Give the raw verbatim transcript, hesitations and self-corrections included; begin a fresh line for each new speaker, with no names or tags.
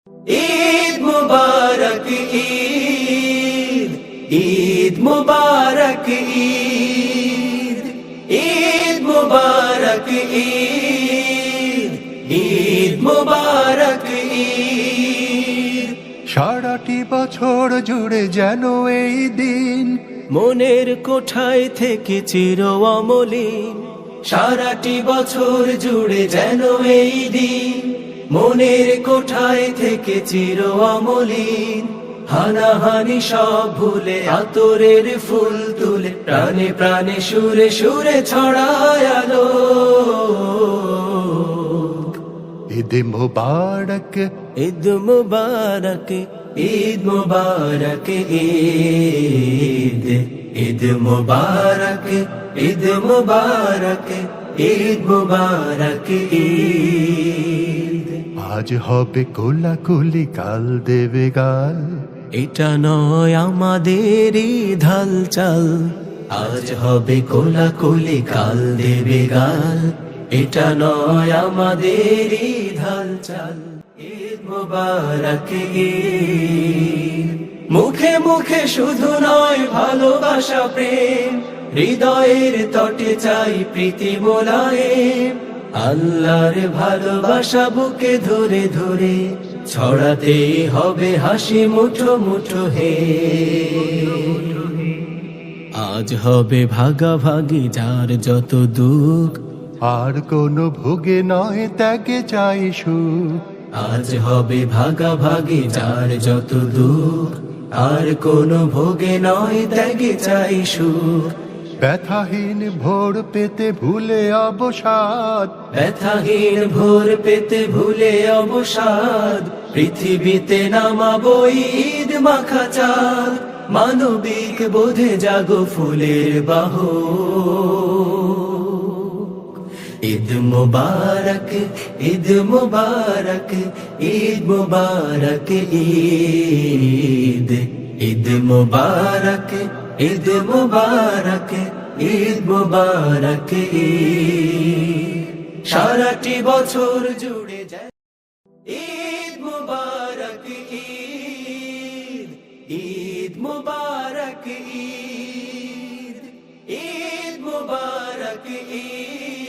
ঈদ মুবারক ঈদ, ঈদ মুবারক ঈদ, ঈদ মুবারক ঈদ, ঈদ মুবারক ঈদ।
সারাটি বছর জুড়ে যেন এই দিন
মনের কোঠায় থেকে চির অমলিন, সারাটি বছর জুড়ে যেন এই দিন মনের কোঠায় থেকে চির অমলিন। হানাহানি সব ভুলে আতরের ফুল তুলে প্রাণে প্রাণে সুরে সুরে ছড়ায় আলো।
ঈদ মুবারক,
ঈদ মুবারক, ঈদ মুবারক ঈদ, ঈদ মুবারক, ঈদ মুবারক, ঈদ মুবারক ঈদ।
আজ হবে কোলাকুলি কাল দেবে গাল,
এটা নয় আমাদের ঢাল চাল। আজ হবে কোলাকুলি কাল দেবে গাল, এটা নয় আমাদের ঢাল চাল। ঈদ মুবারক ঈদ। মুখে মুখে শুধু নয় ভালোবাসা প্রেম, হৃদয়ের তটে চাই প্রীতি মোলায়েম। আল্লাহর ভালোবাসা বুকে ধরে ধরে ছড়াতে হবে হাসি মুঠো মুঠো হে। আজ হবে ভাগাভাগি যার যত দুঃখ,
আর কোনো ভোগে নয় ত্যাগে চাই সুখ।
আজ হবে ভাগাভাগি যার যত দুঃখ, আর কোনো ভোগে নয় ত্যাগে চাই সুখ।
ব্যথাহীন ভোর পেতে ভুলে অবসাদ,
ব্যথাহীন ভোর পেতে ভুলে অবসাদ। পৃথিবীতে নামাবো ঈদ মাখা চাঁদ, মানবিক বোধে জাগো ফুলের বাহ। ঈদ মুবারক, ঈদ মুবারক, ঈদ মুবারক ঈদ, ঈদ মুবারক, ঈদ মুবারক, ঈদ মুবারক ঈদ। সারাটি বছর জুড়ে যায় ঈদ মুবারক ঈদ, ঈদ মুবারক ঈদ, ঈদ মুবারক ঈদ।